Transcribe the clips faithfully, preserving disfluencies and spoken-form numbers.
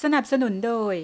สนับสนุนโดย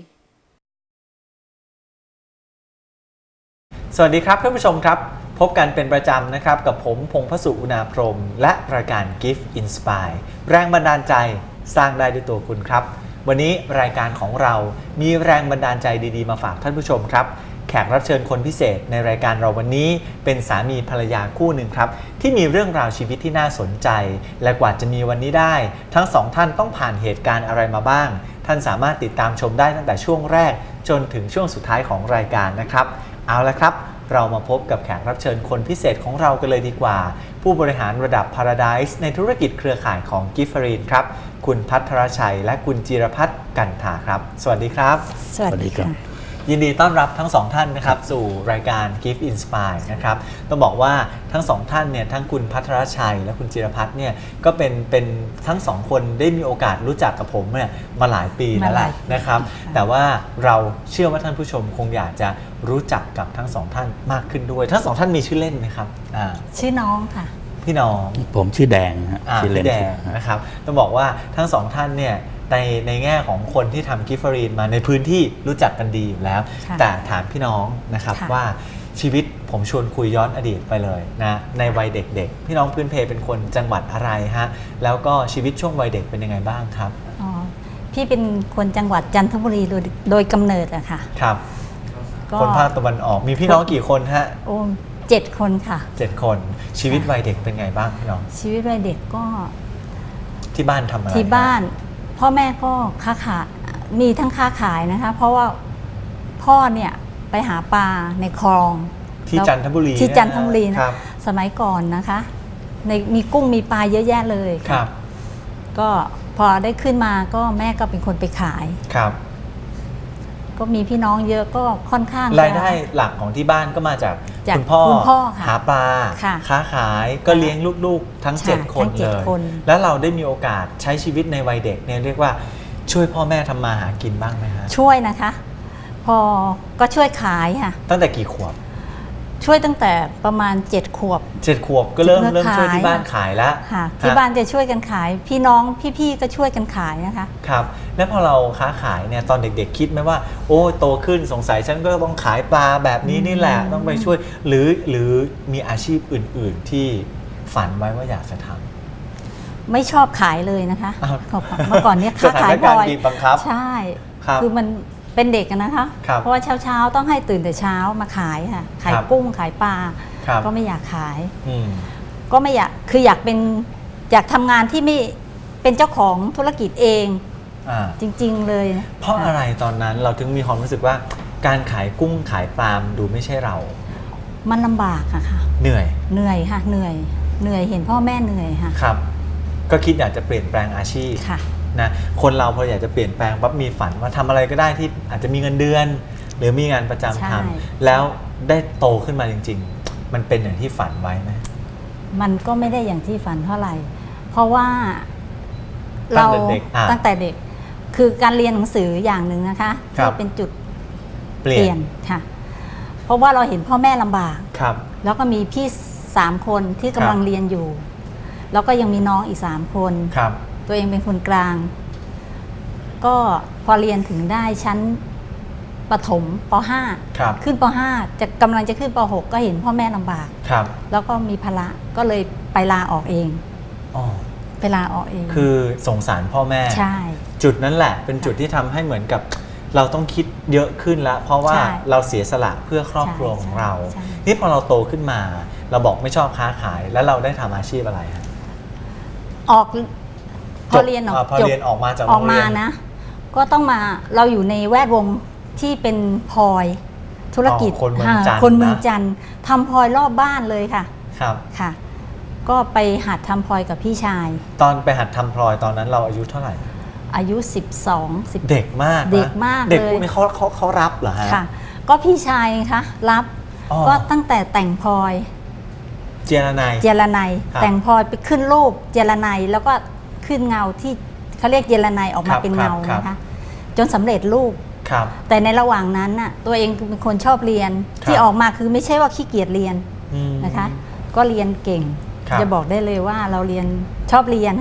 สวัสดีครับท่านผู้ชมครับพบกันเป็นประจำนะครับกับผมพงษ์พสุอุณาพรหมและรายการ Gift Inspire แรงบันดาลใจสร้างได้ด้วยตัวคุณครับวันนี้รายการของเรามีแรงบันดาลใจดีๆมาฝากท่านผู้ชมครับแขกรับเชิญคนพิเศษในรายการเราวันนี้เป็นสามีภรรยาคู่หนึ่งครับที่มีเรื่องราวชีวิตที่น่าสนใจและกว่าจะมีวันนี้ได้ทั้งสองท่านต้องผ่านเหตุการณ์อะไรมาบ้างท่านสามารถติดตามชมได้ตั้งแต่ช่วงแรกจนถึงช่วงสุดท้ายของรายการนะครับเอาละครับเรามาพบกับแขกรับเชิญคนพิเศษของเรากันเลยดีกว่าผู้บริหารระดับ Paradise ในธุรกิจเครือข่ายของ Gift ครับคุณภัทรชัยและคุณจิรพัฒน์กันถาครับสวัสดีครับสวัสดีครับยินดีต้อนรับทั้งสองท่านนะครับสู่รายการ Gift Inspire นะครับต้องบอกว่าทั้งสองท่านเนี่ยทั้งคุณภัทรชัยและคุณจิรพัฒน์เนี่ยก็เป็นเป็นทั้งสองคนได้มีโอกาสรู้จักกับผมเนี่ยมาหลายปีแล้วแหละนะครับแต่ว่าเราเชื่อว่าท่านผู้ชมคงอยากจะรู้จักกับทั้งสองท่านมากขึ้นด้วยทั้งสองท่านมีชื่อเล่นไหมครับชื่อน้องค่ะพี่น้องผมชื่อแดงฮะชื่อเล่นแดงนะครับต้องบอกว่าทั้งสองท่านเนี่ยในในแง่ของคนที่ทำกิฟต์รีนมาในพื้นที่รู้จักกันดีอยู่แล้วแต่ถามพี่น้องนะครับว่าชีวิตผมชวนคุยย้อนอดีตไปเลยนะในวัยเด็กๆพี่น้องพื้นเพเป็นคนจังหวัดอะไรฮะแล้วก็ชีวิตช่วงวัยเด็กเป็นยังไงบ้างครับอ๋อพี่เป็นคนจังหวัดจันทบุรีโดยโดยกำเนิดอะค่ะครับคนภาคตะวันออกมีพี่น้องกี่คนฮะโอ้เจ็ดคนค่ะเจ็ดคนชีวิตวัยเด็กเป็นไงบ้างพี่น้องชีวิตวัยเด็กก็ที่บ้านทำอะไรที่บ้านพ่อแม่ก็ค้าขายมีทั้งค้าขายนะคะเพราะว่าพ่อเนี่ยไปหาปลาในคลองที่จันทบุรีที่จันทบุรีนะสมัยก่อนนะคะในมีกุ้งมีปลาเยอะแยะเลยครับก็พอได้ขึ้นมาก็แม่ก็เป็นคนไปขายครับก็มีพี่น้องเยอะก็ค่อนข้างรายได้หลักของที่บ้านก็มาจากคุณพ่อหาปลาค้าขายก็เลี้ยงลูกๆทั้งเจ็ดคนเลยแล้วเราได้มีโอกาสใช้ชีวิตในวัยเด็กเนี่ยเรียกว่าช่วยพ่อแม่ทำมาหากินบ้างไหมฮะช่วยนะคะพอก็ช่วยขายค่ะตั้งแต่กี่ขวบช่วยตั้งแต่ประมาณเจ็ดขวบเจ็ดขวบก็เริ่มเริ่มช่วยที่บ้านขายแล้วค่ะที่บ้านจะช่วยกันขายพี่น้องพี่ๆก็ช่วยกันขายนะคะครับแล้วพอเราค้าขายเนี่ยตอนเด็กๆคิดไหมว่าโอ้โตขึ้นสงสัยฉันก็ต้องขายปลาแบบนี้นี่แหละต้องไปช่วยหรือหรือมีอาชีพอื่นๆที่ฝันไว้ว่าอยากจะทำไม่ชอบขายเลยนะคะเมื่อก่อนเนี้ยค้าขายบ่อยใช่คือมันเป็นเด็กนะคะเพราะว่าเช้าๆต้องให้ตื่นแต่เช้ามาขายค่ะขายกุ้งขายปลาก็ไม่อยากขายก็ไม่อยากคืออยากเป็นอยากทำงานที่ไม่เป็นเจ้าของธุรกิจเองจริงๆเลยเพราะอะไรตอนนั้นเราถึงมีความรู้สึกว่าการขายกุ้งขายปลาดูไม่ใช่เรามันลำบากอะค่ะเหนื่อยเหนื่อยค่ะเหนื่อยเหนื่อยเห็นพ่อแม่เหนื่อยค่ะครับก็คิดอยากจะเปลี่ยนแปลงอาชีพนะคนเราพออยากจะเปลี่ยนแปลงปั๊บมีฝันว่าทำอะไรก็ได้ที่อาจจะมีเงินเดือนหรือมีงานประจำทำแล้วได้โตขึ้นมาจริงๆมันเป็นอย่างที่ฝันไว้ไหมมันก็ไม่ได้อย่างที่ฝันเท่าไหร่เพราะว่าเราตั้งแต่เด็กคือการเรียนหนังสืออย่างหนึ่งนะคะที่เป็นจุดเปลี่ยนค่ะเพราะว่าเราเห็นพ่อแม่ลำบากแล้วก็มีพี่สามคนที่กำลังเรียนอยู่แล้วก็ยังมีน้องอีกสามคนตัวเองเป็นคนกลางก็พอเรียนถึงได้ชั้นประถมป .ห้า ขึ้นป .ห้า จะกำลังจะขึ้นป .หก ก็เห็นพ่อแม่ลำบากแล้วก็มีภาระก็เลยไปลาออกเองไปลาออกเองคือสงสารพ่อแม่ใช่จุดนั้นแหละเป็นจุดที่ทำให้เหมือนกับเราต้องคิดเยอะขึ้นแล้วเพราะว่าเราเสียสละเพื่อครอบครัวของเรานี่พอเราโตขึ้นมาเราบอกไม่ชอบค้าขายแล้วเราได้ทำอาชีพอะไรฮะออกพอเรียนออกพอเรียนออกมาจากออกมานะก็ต้องมาเราอยู่ในแวดวงที่เป็นพลอยธุรกิจคนเมืองจันทร์คนเมืองจันทร์ทำพลอยรอบบ้านเลยค่ะครับค่ะก็ไปหัดทำพลอยกับพี่ชายตอนไปหัดทำพลอยตอนนั้นเราอายุเท่าไหร่อายุสิบสอง สิบเด็กมากเด็กมากเลยเด็กพวกนี้เขาเขาเขารับเหรอฮะค่ะก็พี่ชายคะรับก็ตั้งแต่แต่งพลอยเจรไนเจรไนแต่งพลอยไปขึ้นรูปเจรไนแล้วก็ขึ้นเงาที่เขาเรียกเจรไนออกมาเป็นเงานะคะจนสำเร็จรูปแต่ในระหว่างนั้นน่ะตัวเองเป็นคนชอบเรียนที่ออกมาคือไม่ใช่ว่าขี้เกียจเรียนนะคะก็เรียนเก่งจะบอกได้เลยว่าเราเรียนชอบเรียนค่ะ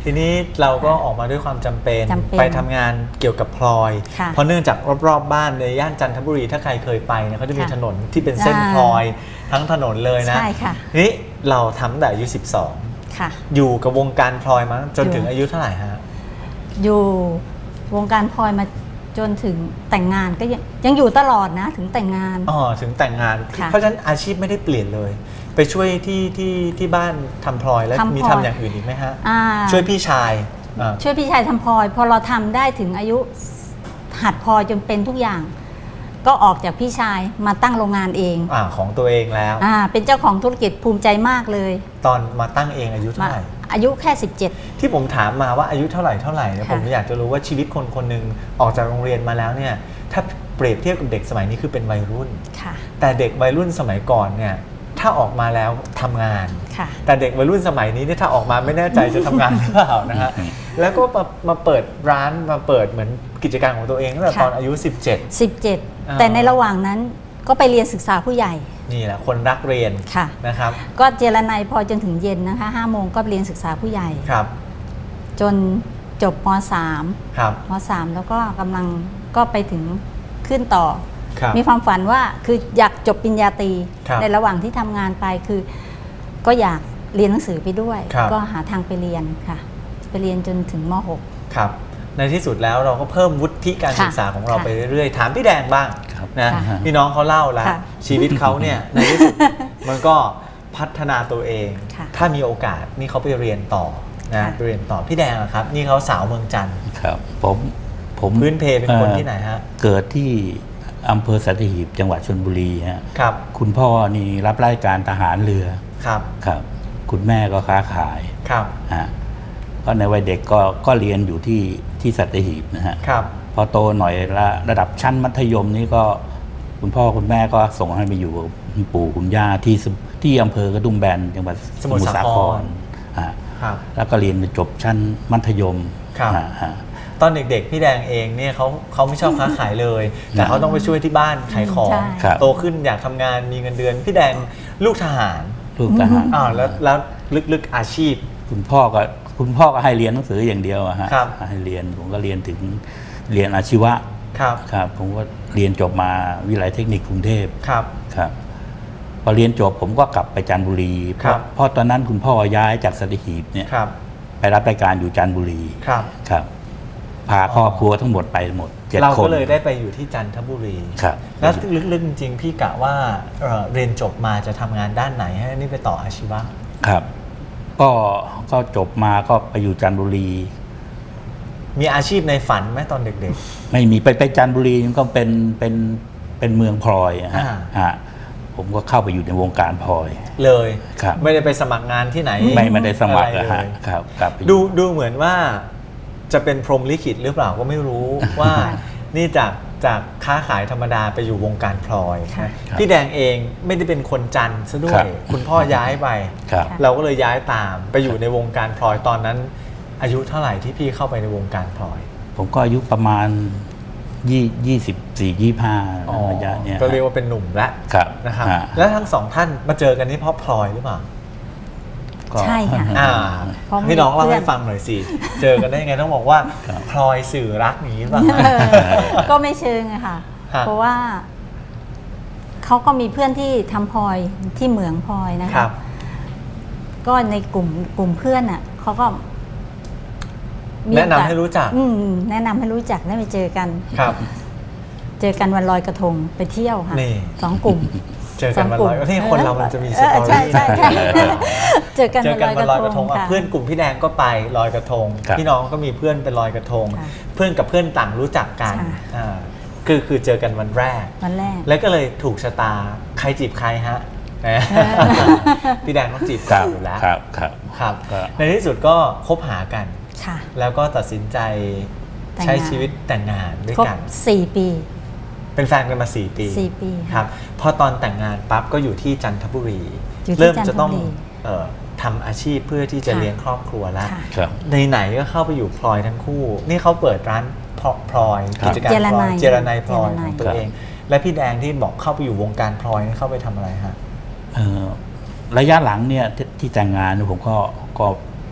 ทีนี้เราก็ออกมาด้วยความจำเป็นจำเป็นไปทำงานเกี่ยวกับพลอยค่ะเพราะเนื่องจากรอบๆบ้านในย่านจันทบุรีถ้าใครเคยไปเนี่ยเขาจะมีค่ะถนนที่เป็นเส้นอ่าพลอยทั้งถนนเลยนะใช่ค่ะทีนี้เราทำตั้งแต่อายุสิบสองค่ะอยู่กับวงการพลอยมาจนอยู่ถึงอายุเท่าไหร่ฮะอยู่วงการพลอยมาจนถึงแต่งงานก็ยังยังอยู่ตลอดนะถึงแต่งงานอ๋อถึงแต่งงานค่ะเพราะฉะนั้นอาชีพไม่ได้เปลี่ยนเลย ไปช่วยที่ที่ที่บ้านทำพลอยแล้วทำมีพลอยทำอย่างอื่นอีกไหมฮะอ่าช่วยพี่ชายอ่าช่วยพี่ชายทำพลอย พอเราทำได้ถึงอายุหัดพลอยจนเป็นทุกอย่าง ก็ออกจากพี่ชายมาตั้งโรงงานเองอ่าของตัวเองแล้วอ่าเป็นเจ้าของธุรกิจภูมิใจมากเลยตอนมาตั้งเองอายุมาเท่าไหร่อายุแค่สิบเจ็ดที่ผมถามมาว่าอายุเท่าไหร่เท่าไหร่เนี่ยค่ะผมอยากจะรู้ว่าชีวิตคนคนหนึ่งออกจากโรงเรียนมาแล้วเนี่ยถ้าเปรียบเทียบกับเด็กสมัยนี้คือเป็นวัยรุ่นค่ะแต่เด็กวัยรุ่นสมัยก่อนเนี่ยถ้าออกมาแล้วทำงานค่ะแต่เด็กวัยรุ่นสมัยนี้เนี่ยถ้าออกมาไม่แน่ใจจะทำงานหรือเปล่านะฮะแล้วก็มามาเปิดร้านมาเปิดเหมือนกิจการของตัวเองตั้งแต่ค่ะตอนอายุ สิบเจ็ดสิบเจ็ดอ่าแต่ในระหว่างนั้นก็ไปเรียนศึกษาผู้ใหญ่นี่แหละคนรักเรียนค่ะนะครับ ก็ก็เจรไนยพอจนถึงเย็นนะคะห้าโมงก็เรียนศึกษาผู้ใหญ่ครับจนจบมสามครับมสามแล้วก็กำลังก็ไปถึงขึ้นต่อครับมีความฝันว่าคืออยากจบปริญญาตรีครับในระหว่างที่ทำงานไปคือ ก็อยากเรียนหนังสือไปด้วยครับก็หาทางไปเรียนค่ะ ไปเรียนจนถึงมหกครับในที่สุดแล้วเราก็เพิ่มวุฒิการค่ะศึกษาของเราค่ะไปเรื่อยๆ ถามพี่แดงบ้างครับนะค่ะพี่น้องเขาเล่าแล้วค่ะชีวิตเขาเนี่ย ในที่สุดมันก็พัฒนาตัวเองค่ะถ้ามีโอกาสนี่เขาไปเรียนต่อนะค่ะไปเรียนต่อพี่แดงอะครับ นี่เขาสาวเมืองจันทร์ครับผมผมพื้นเพเป็นคนอ่อที่ไหนฮะเกิดที่อำเภอสัตหีบจังหวัดชลบุรีฮะครับคุณพ่อนี่รับราชการทหารเรือครับครับ คุณแม่ก็ค้าขายครับฮะก็ในวัยเด็กก็ก็เรียนอยู่ที่ที่สัตหีบนะฮะครับพอโตหน่อยละระดับชั้นมัธยมนี่ก็คุณพ่อคุณแม่ก็ส่งให้ไปอยู่กับคุณปู่คุณย่าที่สที่อำเภอกระดุมแบนจังหวัดสมุทรสาครฮะครับแล้วก็เรียนจบชั้นมัธยมครับฮะฮะตอนเด็กๆพี่แดงเองเนี่ยเขาเขาไม่ชอบค้าขายเลย แต่เขาต้องไปช่วยที่บ้านขายของใช่ครับโตขึ้นอยากทำงานมีเงินเดือนพี่แดงลูกทหารลูกทหารอ้าวแล้วแล้วลึกๆอาชีพคุณพ่อก็คุณพ่อก็ให้เรียนหนังสืออย่างเดียวอะฮะครับให้เรียนผมก็เรียนถึงเรียนอาชีวะครับครับผมก็เรียนจบมาวิทยาลัยเทคนิคกรุงเทพครับครับพอเรียนจบผมก็กลับไปจันทบุรีเพครัราะบเพราะตอนนั้นคุณพ่อย้ายจากสัตหีบเนี่ยครับไปรับรายการอยู่จันทบุรีครับครับพาครอบครัวทั้งหมดไปหมดเจ็ดเราคนก็เลยได้ไปอยู่ที่จันทบุรีครับแล้วลึกๆจริงๆพี่กะว่าเอ่อเรียนจบมาจะทำงานด้านไหนให้นี่ไปต่ออาชีวะครับ ก็ก็จบมาก็ไปอยู่จันทบุรีมีอาชีพในฝันไหมตอนเด็กไม่มีไปไปจันทบุรีมันก็เป็นเป็นเป็นเมืองพลอยอะฮะอ่าฮะผมก็เข้าไปอยู่ในวงการพลอยๆ เลยครับไม่ได้ไปสมัครงานที่ไหนไม่ไม่ได้สมัครอะอะไรฮะเลยครับกลับไปอยู่ดูดูเหมือนว่าจะเป็นพรหมลิขิตหรือเปล่าก็ไม่รู้ ว่านี่จากจากค้าขายธรรมดาไปอยู่วงการพลอยค่ะนะพี่แดงเองไม่ได้เป็นคนจันทร์ซะด้วครัยบคุณพ่อย้ายไปครับเราก็เลยย้ายตามไปอยู่ในวงการพลอยตอนนั้น อายุเท่าไหร่ที่พี่เข้าไปในวงการพลอยผมก็อายุประมาณยี่ยี่สิบสี่ยี่ห้าระยะเนี้ยก็เรียกว่าเป็นหนุ่มแล้วครับนะครับฮะแล้วทั้งสองท่านมาเจอกันนี่เพราะพลอยหรือเปล่าก็ใช่ค่ะอ่าเพราะมีพี่น้องเล่าเพื่อนให้ฟังหน่อยสิ เจอกันได้ยังไงต้องบอกว่าครับพลอยสื่อรักอย่างนี้หรือเปล่าก็ไม่เชิงอะค่ะฮะเพราะว่าเขาก็มีเพื่อนที่ทำพลอยที่เหมืองพลอยนะครัคะบก็ในกลุ่มกลุ่มเพื่อนอ่ะเขาก็มีแนะนำโอกาสให้รู้จักอืมแนะนำให้รู้จักได้ไปเจอกันครับเจอกันวันลอยกระทงไปเที่ยวค่ะนี่สองกลุ่มเจอกันวันลอยก็ที่คนเรามันจะมีสเออตอใช่รี่ใช่ใช่นะเจอกันเจอกันวันลอยกระทงอ่ะค่เพื่อนกลุ่มพี่แดงก็ไปลอยกระทงครับพี่น้องก็มีเพื่อนไปลอยกระทงค่ะเพื่อนกับเพื่อนต่างรู้จักกันค่ะอ่าคือคือเจอกันวันแรกวันแรกแล้วก็เลยถูกชะตาใครจีบใครฮะแหมพี่แดงต้องจีบคก่อรันบอยู่แล้วครับครับครับก็ในที่สุดก็คบหากันค่ะแล้วก็ตัดสินใจแต่งงานใช้ชีวิตแต่งงานด้วยครบกันสี่ปีเป็นแฟนกันมาสี่ปีสี่ปีครับพอตอนแต่งงานปั๊บก็อยู่ที่จันทบุรีอยู่ที่เริ่มจะต้องจันทบุรีเอ่อทำอาชีพเพื่อที่จะค่ะเลี้ยงครอบครัวแล้วค่ะครับในไหนๆก็เข้าไปอยู่พลอยทั้งคู่ นี่เขาเปิดร้านพลพลอยครับกิจการเจรพลนัอยยเจรนายพลอยเจรนัขอย งตัวเอง และพี่แดงที่บอกเข้าไปอยู่วงการพลอยนี่เข้าไปทำอะไรฮะเอ่อระยะหลังเนี่ยที่ที่แต่งงานเนี่ยผมก็ก็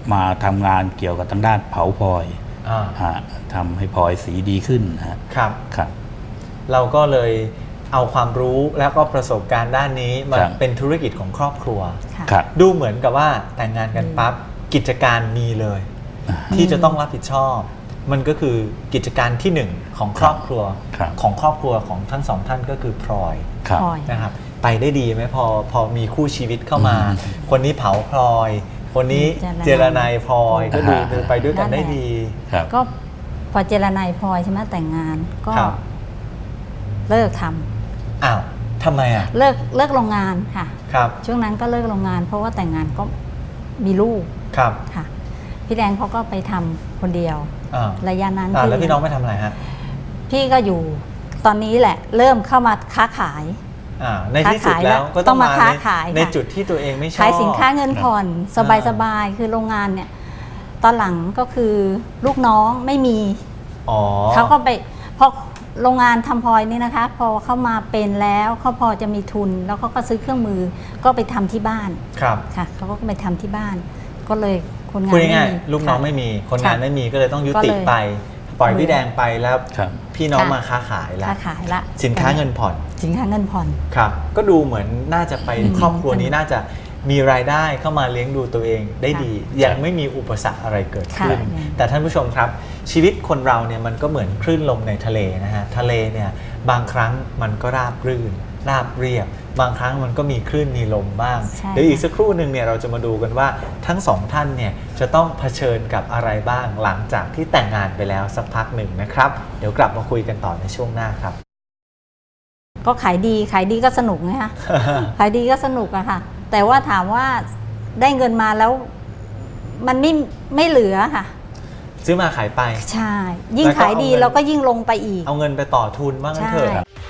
มาทำงานเกี่ยวกับทางด้านเผาพลอยอ่าฮะทำให้พลอยสีดีขึ้นฮะครับครับเราก็เลยเอาความรู้แล้วก็ประสบการณ์ด้านนี้มาครับเป็นธุรกิจของครอบครัวค่ะครับดูเหมือนกับว่าแต่งงานกันปั๊บกิจการมีเลย ที่จะต้องรับผิดชอบ มันก็คือกิจการที่หนึ่งของครอบครัวครับของครอบครัวของทั้งสองท่านก็คือพลอยครับพลอยนะครับไปได้ดีไหมพอพอมีคู่ชีวิตเข้ามาอืมคนนี้เผาพลอย คนนี้เจเจรรนานาย ยพลอยก็ดูอ่าเดินไปด้วยกันได้ดีครับก็พอเจรนายพลอยใช่ไหมแต่งงานก็ครับเลิกทำอ้าวทำไมอ่ะเลิกเลิกโรงงานค่ะครับช่วงนั้นก็เลิกโรงงาน เพราะว่าแต่งงานก็มีลูกครับค่ะ พี่แดงเขาก็ไปทำคนเดียวอ่าระยะนั้นอ่าที่แล้วพี่น้องไม่ทำอะไรฮะพี่ก็อยู่ตอนนี้แหละ เริ่มเข้ามาค้าขายอ่าในที่สุดค้าขายแล้วก็ต้ต้ออง งมามาค้าในขายในค่ะจุดที่ตัวเองไม่ชอบขายสินค้าเงินผ่อน สบายอ่าสบายคือโรงงานเนี่ย ตอนหลังก็คือลูกน้องไม่มีอ๋อเขาก็ไปพอโรงงานทำพลอยนี่นะคะ พอเข้ามาเป็นแล้วเขาพอจะมีทุน แล้วเขาก็ซื้อเครื่องมือก็ไปทำที่บ้านครับค่ะเขาก็ไปทำที่บ้าน ก็เลยคนงานพูดไม่ง่ายมีๆลูกน้องค่ะไม่มีคนงานค่ะไม่มีก็เลยต้องยุติก็เลยไป ปล่อยพี่แดงไปแล้วครับพี่น้องค่ะมาค้าขายแล้วค้าขายละสินค้าเงินผ่อนสินค้าเงินผ่อนครับ ก็ดูเหมือนน่าจะไปอืมครอบครัวนี้น่าจะมีรายได้เข้ามาเลี้ยงดูตัวเองได้ค่ะดี ยังไม่มีอุปสรรคอะไรเกิดขึ้นค่ะแต่ท่านผู้ชมครับ ชีวิตคนเราเนี่ยมันก็เหมือนคลื่นลมในทะเลนะฮะทะเลเนี่ยบางครั้งมันก็ราบรื่น ราบเรียบ บางครั้งมันก็มีคลื่นมีลมบ้างใช่เดี๋ยวอีกสักครู่หนึ่งเนี่ยเราจะมาดูกันว่าทั้งสองท่านเนี่ยจะต้องเผชิญกับอะไรบ้างหลังจากที่แต่งงานไปแล้วสักพักหนึ่งนะครับ เดี๋ยวกลับมาคุยกันต่อในช่วงหน้าครับก็ขายดีขายดีก็สนุกไงคะ ขายดีก็สนุกอะค่ะ แต่ว่าถามว่าได้เงินมาแล้ว มันไม่ไม่เหลือค่ะซื้อมาขายไปใช่ ยิ่งแล้วก็ขายดีเอาเงินเราก็ยิ่งลงไปอีกเอาเงินไปต่อทุนว่างั้นใช่เถอะ